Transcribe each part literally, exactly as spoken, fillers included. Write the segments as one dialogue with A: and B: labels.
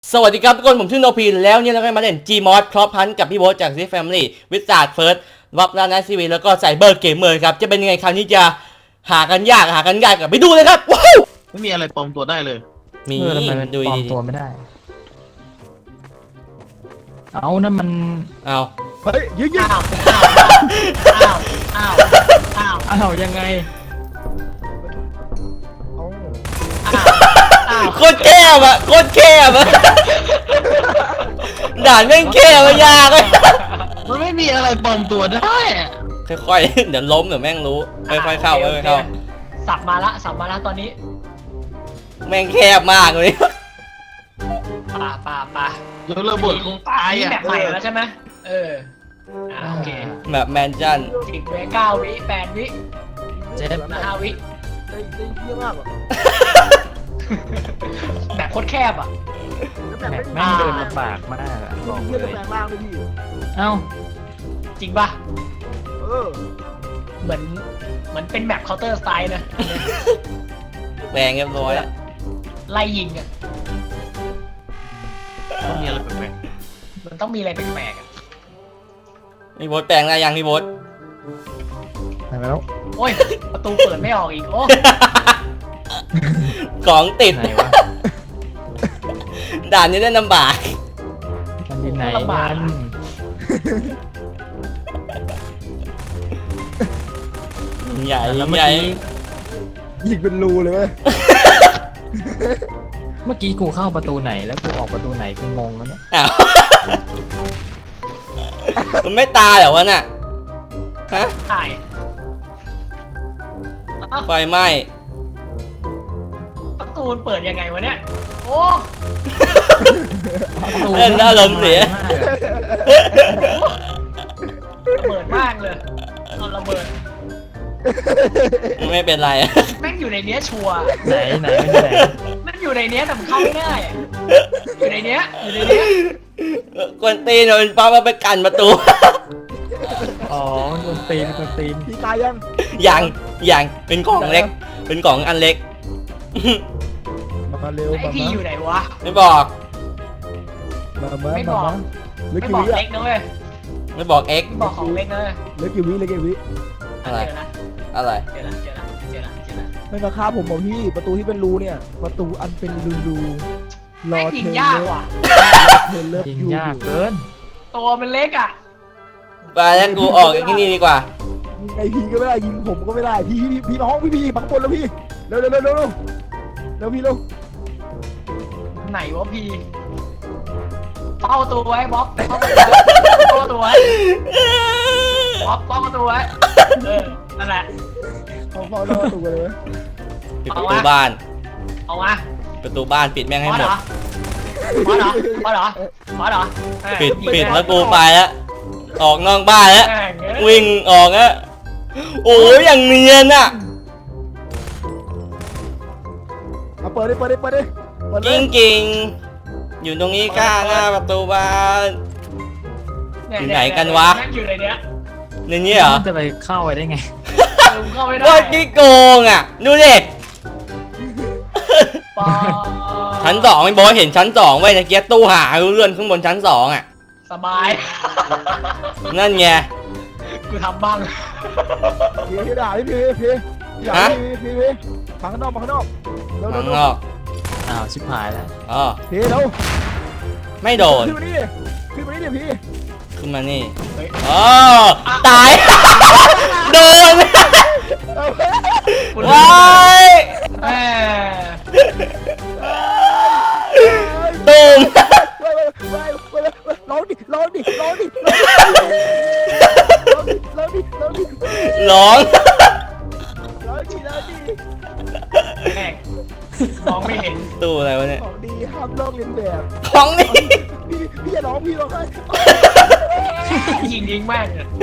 A: สวัสดีครับทุกคนผมชื่อโนพีแล้วเนี่ยเราก็มาเล่น Gmod ครอปพันกับพี่โบ๊ทจาก ซี Family วิสาดเฟิร์สวับลานาซีวีแล้วก็ไซเบอร์เกมเมอร์ครับจะเป็นยังไงคราวนี้จะหากันยากหากันยากกับไปดูเลยครับว้าว
B: ไม่มีอะไรปลอมตัวได้เลย
A: มี
C: เออทำไมมัน
A: ดู
C: ปลอม
A: ดี
C: ตัวไม่ได้ เอานั่นมัน
A: เอา
D: เฮ้ยยิงยิง
B: อ้าวอ้าวอ้าวอ้าวอ้าว
C: อ้าวยังไง
B: อ้าว
A: โคตรแคบอะโคตรแคบอะด่านแม่งแคบอะยากเลย
B: มันไม่มีอะไรปลอมตัวได้อะ
A: ค่อยๆเดี๋ยวล้มเดี๋ยวแม่งรู้ค่อยๆเข้าค่อยๆเข้า
E: สับมาละสับมาละตอนนี้
A: แม่งแคบมากเลย
E: ป่าป่าป่า
B: เดี๋ยวระเบิดคงตาย
E: นี่
B: อ่ะ
E: แบบใหม่แล้วใช่ไหมเอออ่าโอเค
A: แบบแมนชั่น
E: สิบวิเก้าวิแปดวิ
C: เจ็ด
E: ห้าวิ
D: ได้ได้เยี่ยมมากอ่ะ
E: แบบโคตรแคบอ่ะ
D: แล้ว
C: แบ
D: แบบ
C: บ
D: ไม่
C: แม่งเดินลำบากมากอะบ
D: ต้
C: อ
D: อง
C: ก
D: เยี่ยม
C: เล
D: แป
C: ย
D: ลงร่างด้วยพี่
C: เอ้า
E: จริงป่ะ
D: เออ
E: เหมือนเหมือนเป็นแมปเคาน์เตอร์สไตล์นะ
A: แปลงเรียบร้อยอะ
E: ไล่ยิงอ่ะ
B: ต้องมีอะไรแปลก
E: มันต้องมีอะไรแปลกๆอ่ะ
A: พี่โบ๊ทแปลงได้ยังพี่โบ๊ท
C: ไปแล้ว
E: โอ้ยประตูเปิดไม่ออกอีกโอ้
A: ของติด
C: ไหนวะ
A: ด่านนี้ได้ลำบาก
C: มันอยู่ไหนกัน
A: ใหญ่
C: แล้วเมื่อ
A: ใหญ่
C: กี้
D: ยิงเป็นรูเลยเว้ย
C: เมื่อกี้กูเข้าประตูไหนแล้วกูออกประตูไหนกูงงแล้วเนี่ย
A: อ้าวมันไม่ตายเหรอวะน่ะฮะ
E: ถ่ายอ้าว
A: ไฟไหม้
E: ประตูมันเปิดยังไงวะเนี่ยโอ้
C: ประตู
A: เล่นแล้วอารมณ์เสีย
E: ระเบิดมากเลยเอาระเบิด
A: ไม่เป็นไร
E: แม่งอยู่ในเนี้ยชัวร์
C: ไหนไหนเป็นไหน
E: มันอยู่ในเนี้ยแต่มันเข้าไม่ได้อะอยู่ในเนี้ยอยู่ในเนี้ย
A: กวนตีนโดนป้ามาไปกันประตู
C: อ๋อมันโดนตีนโดนตีน
D: พี่ตายยัง
A: อย่างอย่างเป็นกล่องเล็ก เป็นกล่องอันเล็ก
D: มาเร็ว
E: ไอ
D: มา
E: พีอยู่ไหนวะ
A: ไม่บอก
D: มามา
E: ไม่บ
D: มา
E: อก
D: มาเหลือ
E: ไม่
D: กี่
E: บอก
D: วิอ่ะ
E: เล็กนะเว้ย
A: ไม่บอกเอ็ก
E: ไม่บอกของเล็กนะเว้ย
D: เหลือกี่วิเหลือกี่วิ
A: อะไร
E: เจอละ
A: อะไร
E: เจอละเจอละเจอละเจอละ
D: ไม่มาฆ่าผมบอกพี่ประตูที่เป็นรูเนี่ย ประตูอันเป็นรูรูรอ
E: แม่ง
D: เธ
E: ยิง
D: อย
E: ากว่ะ
D: เธอเลิฟ
C: ยิง
D: ยู
C: ยากเกิน
E: ตัวมันเล็กอ่ะ
A: ไปแล้วกูออกจากที่นี่ดีกว่า
D: ยิงไอพีก็ไม่ได้ยิงผมก็ไม่ได้พี่พี่พี่น้องพี่พี่บังบนแล้วพี่เร็วเร็วเร็วเร็วเร็วเร็วพี่เร็ว
E: ไหนวะพีเป้าตัวไว้บ๊อบเป้าตัวไว้บ๊อบเป้าตัวไว้เออนั่นแหละ
D: เขาเฝ้าหน้าประตูเลยเว้ย
A: ปิดประตูบ้าน
E: เอามา
A: ประตูบ้านปิดแม่งให้
E: พอ
A: หม
E: เหร
A: ด
E: อพอเหรอพอเหรอพอเหรอเออ
A: ปิด
E: ยิง
A: ปิด
E: นะ
A: แล้วกูไปแล้ว ออกนอกบ้านแล้ว
E: แม่งเอ้ย
A: วิ่งออกแล้วโอ้ยอย่างเนียนอ่ะ
D: เอาเปิดดิเปิดดิเปิดดิเปิด
A: จ
D: เล
A: ริ
D: ย
A: งจริงๆอยู่ตรงนี้ข้างหน้าประตูบ้าน
E: เย
A: อยู่ไหนกันวะ
E: แม่งอยู่ในเนี้ย
A: ในนี้เหรอ
C: มันจะไปเข้าไปได้ไง
E: เออเข้าไม่ได้
A: ว่ากี่โกงอ่ะดูดิ
E: ปอ
A: ชั้นสองไม่บอกเห็นชั้นสองไว้นะเกียร์ตู้หาเลื่อนขึ้นบนชั้นสองอ่ะ
E: สบาย
A: นั่นไง
E: กูทำบ้าง
D: พี่พี่ด่าพี่พี่พี่ด่า
A: ฮะ
D: พี่พี่พี่พังข้างนอกพังข้างนอกเร็วเร็
A: ข้าว ง
D: เร็วน
A: อก
C: อ้าวชิบหายแล้ว
A: อ๋อ
D: พี่เร็ว
A: ไม่โดน
D: ขึ้นมานี่ดิขึ้นมานี่ดิพี่
A: ขึ้นมานี่
E: เฮ้ย
A: อ๋อตาย โดน
D: เอาไป
A: ว้าย
E: แม่
A: ตูม
D: ไปไปไปไปร้องดิร้องดิร้องดิร้องดิร้องดิร้องดิ
A: ร้อง
D: ร้องดิร้องดิ
E: แม่งมองไม่เห็น
A: ตู้อะไรวะเนี่ย
D: ของดีห้ามลอกเลียนแบบ
A: ของนี่
D: พี่พี่อย่าร้องพี่ร้องไห้
E: ยิงยิงแม่งเนี่ย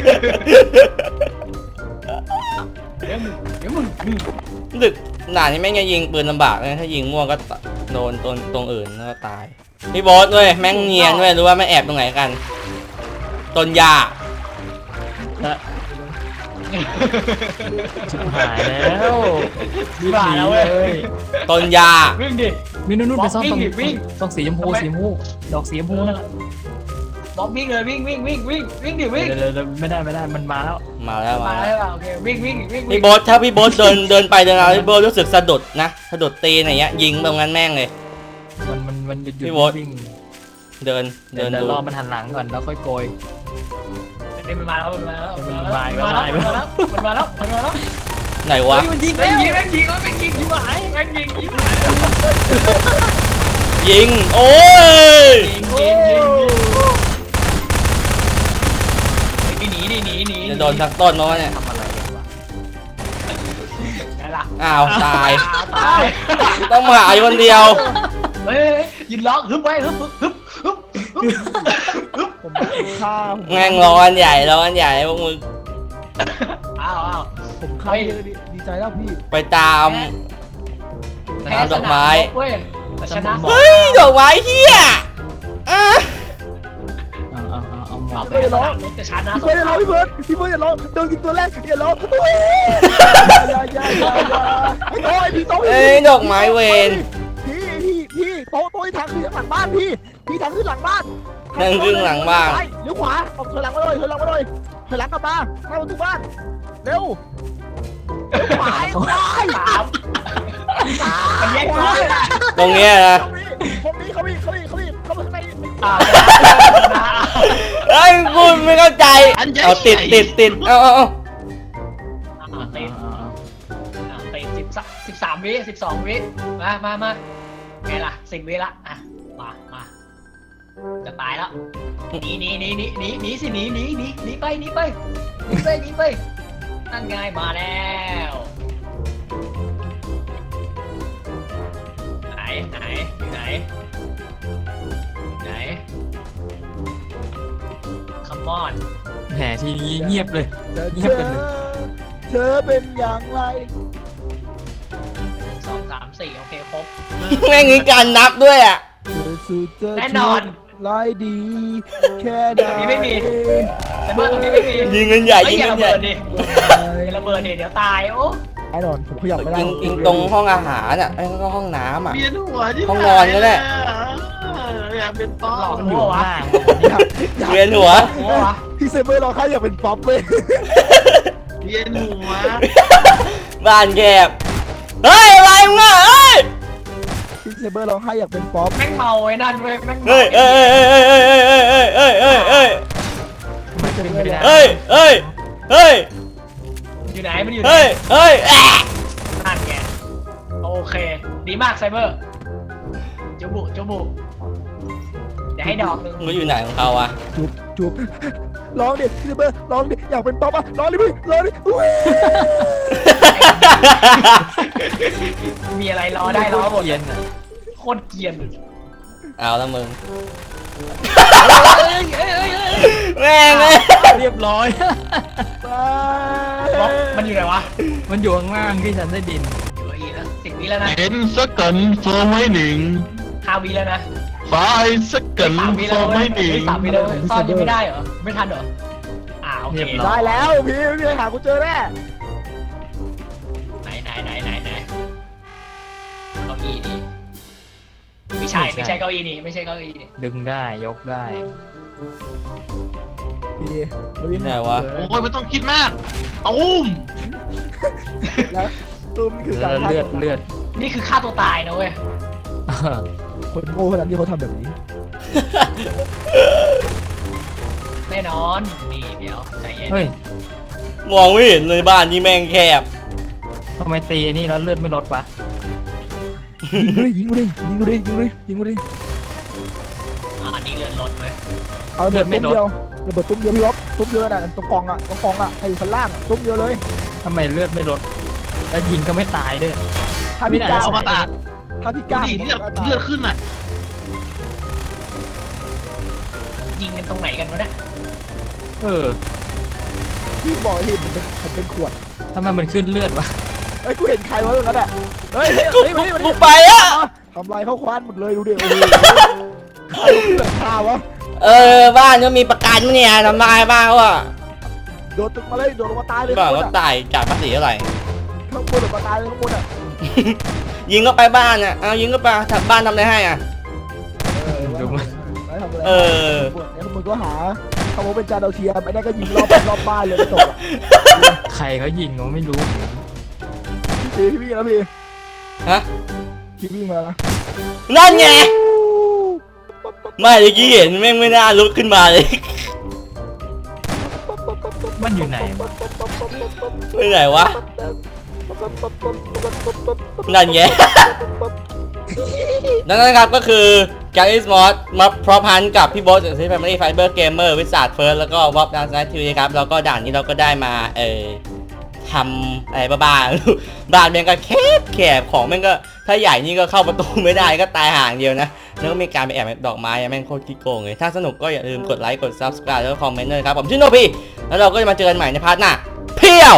E: เดี๋ยวมึงเดี๋ยวมึงอืม
A: ดึกหนานี่ไม่งจะยิงปืนลำบากนะถ้ายิงมั่วก็โดนตรงตรงอื่นแล้วก็ตายพี่โบ๊ทด้วยแม่งเนียนด้วยรู้ว่าไม่แอบตรงไหนกันต้นหญ้า
C: และชิบหายแล้ว
E: วิ่งมาแล้วเว้ย
A: ต้นยา
E: วิ่งดิ
C: วิ่งนู่นนู่นไปซ่อน
E: วิ่
C: ตรง ง
E: ดิวิ่ง
C: ต้องสีชมพูสีชมพูดอกสีชมพูนะ
E: บล็อกวิ่งเลยวิ่งวิ่งวิ่งวิ่งวิ่งดิวิ่ง
C: เดี๋ยวเดี๋ยวไม่ได้ไม่ได้มันมาแล้ว
A: มาแล้วมา
E: มา
A: แล้
E: แล้ว วโอเควิ่งวิ่งวิ่ง
A: พี่โบ๊ทถ้าพี่โบ๊ทเดินเดินไปเดินมาพี่โบ๊ทรู้สึกสะดุดนะสะดุดตีนอย่างเงี้ยยิงตรงนั้นแม่งเลย
C: มันมันมันหยุดหยุ
A: พี่
C: ด
A: โบ๊ท
C: วิ่ง
A: เดิน
C: เดิ
A: เดิ
C: น
A: น
C: เดี๋ยว
A: ดู
C: รอมันหันหลังก่อนแล้วค่อยโกย
E: นี่มันมาแล้วมันมาแล้ว
C: มัน
E: มัน
C: มา
E: มา
C: แล้ว
E: แล้วมันมาแล้วมันมาแล้ว
A: ไหนวะ
C: มันยิง
E: แม่
C: แล้ว
E: งยิงแม่งยิงแม่งยิงยิงหายแม่งยิงยิง
A: ยิงโอ้ย
E: ยิงยิงยิงยิงหนีดิหนีหนี
A: จะโดนทักต้นมาวะเนี่ย
C: ทำอะไรกันวะ
E: ไงล่ะ
A: อ้าวตาย
E: ตาย
A: ต้องมาหาอยู่คนเดียว
E: เฮ้ยยืนร้องฮึบไว้ฮึบฮึบฮึบฮึบฮึบ
D: ผมฆ่าผม
A: แม่งร้อนใหญ่ร้อนใหญ่พวกมึง
E: อ้าวอ้าว
D: ผมฆ่าเยอะดิดีใจแล้วพี่
A: ไปตาม
E: แพ้
A: ดอกไม้
E: เว้ยแต่ชนะ
A: เฮ้ยดอกไม้เฮียอ่ะ
C: เอาเอาเอาเอาหม
E: เอา
C: ด
E: ไปร้องแต่ชนะ
D: พี่เบิร์ดอย่าร้องพี่เบิร์ดพี่เบิร์ดอย่าร้องโดนกินตัวแรกอย่าร้องตัวเองอย่าอย่าอย่าอย่าไอ้โต้ไอ้พี่โต้
A: เอ้ยดอกไม้เวน
D: พี่พี่พี่โต้โต้ทางขึ้นหลังบ้านพี่พี่ทางขึ้นหลังบ้าน
A: นั่งครึ่งหลังบ้าน
D: ไปเลี้ยวขวาออกถอยหลังมาเลยถอยหลังมาเลยถอยหลังกลับมาหน้าประตูบ้านเร็วขวาขวา
E: สามมันแย่งกูเลยนะ
A: ตรงเนี้ยนะ
D: เขามีเขามีเขามีเขามีเขามีข้างใน
E: อ่า
A: เอ้ยกูไม่เข้าใจเอาติดติดติดเอาเอาเอา
E: เตะ
C: เอาเอาเอา
E: เตะสิบสิบสามวิสิบสองวิมามามาไงล่ะสิบวิละอ่ะมามาจะตายแล้วหนีหนีหนีหนีหนีหนีสิหนีหนีหนีหนีไปหนีไปหนีไปหนีไปนั่นไงมาแล้วไหนไหนอยู่ไหนไหน Come on
C: แหมทีนี้เงียบเลย
D: เธอเธอเป็นอย่างไร
E: สองสามสี่โอเคครบ
A: แม่งมีการนับด้วยอ่ะ
D: เธอสุดเธอ
E: แน่นอน
D: ลายดี แค่ไหน
E: ตรงนี้ไม่มี แต่เมื่อตรงนี้ไม่มี
A: ยิงกันใหญ่
E: เฮ้ย
A: ยิง
E: อย่า
A: กัน
E: ระ
A: ใหญ่
E: เบิดดิอย่าระเบิดดิเดี๋ยวตายโอ้
D: แน่นอนผมขยับไม่ได้
A: ยิงยิงตรงห้องอาหารอ่ะไอ้ก็ห้องน้ำอ่ะ
B: เวียนหัวที่
A: ห้องนอนก็ได้
B: อยากเป็นป๊อ
E: หลอก
C: มัน
E: หั
C: อยู่
E: ว
C: ข้าง
E: วะ
C: ล่าง
D: อยากอยาก
A: เวียนหัว
E: หัววะ
D: พี่เซเบอร์เราค่าอยากเป็นป๊อปเลย
B: เวียนหัว
A: บ้านแคบเฮ้ยอะไรมึงอ่ะเฮ้ย
D: พี่เซเบอร์เราค่าอยากเป็นป๊อป
E: แม่งเมาไอ้นั่นเว้ยแม่ง
A: เฮ้ยเอ้ยเอ้ยเอ้ยเอ้ยเอ้ยเอ้ยเอ้ยเอ้ย
C: มันเป็นไม่ได้
A: เอ้ยเอ้ยเอ้ย
E: อยู่ไหนมันอยู่ไหน
A: เอ้ยเอ้ยแอะ
E: นั่นไงโอเค ดีมากไซเบอร์จุบุจุบุเดี๋ยวให้ดอกหนึ่ง
A: มึงอยู่ไหนของเขาอ่ะ
D: จุบจุบร้องดิพี่เซเบอร์ร้องดิอยากเป็นป๊อปอ่ะร้องดิพี่ร้องดิอุ้ย
E: มีอะไรรอได้รอหมด
C: เย็นอ่ะ
E: โคตรเกรียน
A: เอาละมึง
E: เอ้ยเอ้ยเอ้ยเอ้ย
A: แม่งเลย
C: เรียบร้อย
E: บล็อกมันอยู่ไหนวะ
C: มันอยู่ข้างล่างที่ฉันได้ดิน
E: อยู่อีกแล้วสิบวิแล้วนะ
B: เห็นสักกันโฟร์ไม่หนึ่ง
E: ห้าวิแล้วนะ
B: ไฟสักกัน
E: สามวิ
B: โฟ
E: แล้ว
B: ร์
E: เว้
B: ไม่
E: ย
B: หนึ่ง
E: สามวิแล้วเว้ยซ่อนยังไม่ได้เหรอไม่ทันเหรออ่าโอเค
C: เรียบร้อ
D: ได้แล้วพี่พี่หากูเจอแน่
E: ไหนไหนไหนไหนไหนเก้าอี้นี่ไม่ใช่ไม่ใช่เก้าอี้นี่ไม่ใช่เก้าอี้นี่
C: ดึงได้ยกได้
D: พี่เราวิ่ง
A: ไหนวะ
B: โอ้ยไม่ต้องคิดมากตุ้ม
D: แล้วตุ้มนี่คือการ
C: เลือดเลือด
E: นี่คือฆ่าตัวตายนะเว้ย
C: เออ
D: คนโง่ขนาดที่เขาทำแบบนี้
E: แน่นอนนี่เดี๋ยวใจเย็น
C: เฮ้ย
A: มองไม่เห็นเลยบ้านนี่แม่งแคบ
C: ทำไมตีอันนี่แล้วเลือดไม่ลดวะ
D: ยิงกูดิยิงกูดิยิงกูดิยิงกูดิยิงกูดิ
E: อ่านี่เลือดลดเลย
D: เอาระเบิดตุ้มเดียวระเบิดตุ้มเดียวพี่ล็อกตุ้มเดียวน่ะตรงกองอ่ะตรงกองอ่ะไอ้ชั้นล่างตุ้มเดียวเลย
C: ทำไมเลือดไม่ลดแล้วยิงก็ไม่ตายด้วย
D: ถ้าพี่กล้า
B: เอามาตัด
D: ถ้าพี่กล้า
B: ดูดิเลือดเลือดขึ้นอ่ะ
E: ยิงกันตรงไหนกันวะเนี่ย
C: เออ
D: พี่บอกที่มันเป็นมันเป็นขวด
C: ทำไมมันขึ้นเลือดวะ
D: เฮ้ยกูเห็นใครวะตรงนั้นอ่ะเฮ้ย
A: กู
D: เฮ้ยเฮ้ย
A: กูไปอ่ะ
D: ทำลายเข้าควานหมดเลยดูดิโอ้โหใครเลือดข้าวะ
A: เออบ้านก็มีประกันมั้ยเนี่ยทำลายบ้างวะ
D: โดดตึกมาเลยโดดลงมาตายเลย
A: บ้า
D: ข้างบ
A: ก็
D: นอะ
A: ตายจ่ายภาษีเท่าไหร่
D: ข้างบนโดดมาตายเลยข้างบนอ่ะ
A: ยิงก็ไปบ้านอ่ะเอายิงก็ไปถัดบ้านทำอะไรให้อ่ะ
C: ดูมัน
D: ไม่ทำอะไร
A: เออ
D: เนี่ยมึงก็หาเขาบอกเป็นจานดาวเทียมไอ้นั่นก็ยิงรอบรอบบ้านเลยไม่ตกอ่ะ
C: ใครเขายิงเขาไม่รู้
D: พี่พี่วิ่งแล้วพี่
A: ฮะ
D: พี่วิ่งมาแล้ว
A: นั่นไงไม่เมื่อกี้เห็นแม่งไม่น่าลุกขึ้นมาเลย
C: มันอยู่ไหนวะ
A: ไปไหนวะนั่นไง นั่นนะครับก็คือแกลิสมอสมาพร้อมพันกับพี่โบ๊ทจากซีแฟมิลี่ไฟเบอร์เกมเมอร์วิสาดเฟิร์สแล้วก็วอปดาวน์ไนท์ทีวีครับแล้วก็ด่านนี้เราก็ได้มาเออทำอะไรบ้าๆ บ้านแม่งก็แคบแคบของแม่งก็ถ้าใหญ่นี่ก็เข้าประตูไม่ได้ก็ตายห่างเดียวนะแล้วก็มีการไปแอบดอกไม้แม่งโคตรขี้โกงเลยถ้าสนุกก็อย่าลืมกดไลค์กด ซับสไครบ์ แล้วก็คอมเมนต์ด้วยครับผมชื่อโนพีแล้วเราก็จะมาเจอกันใหม่ในพาร์ทหน้าเพียว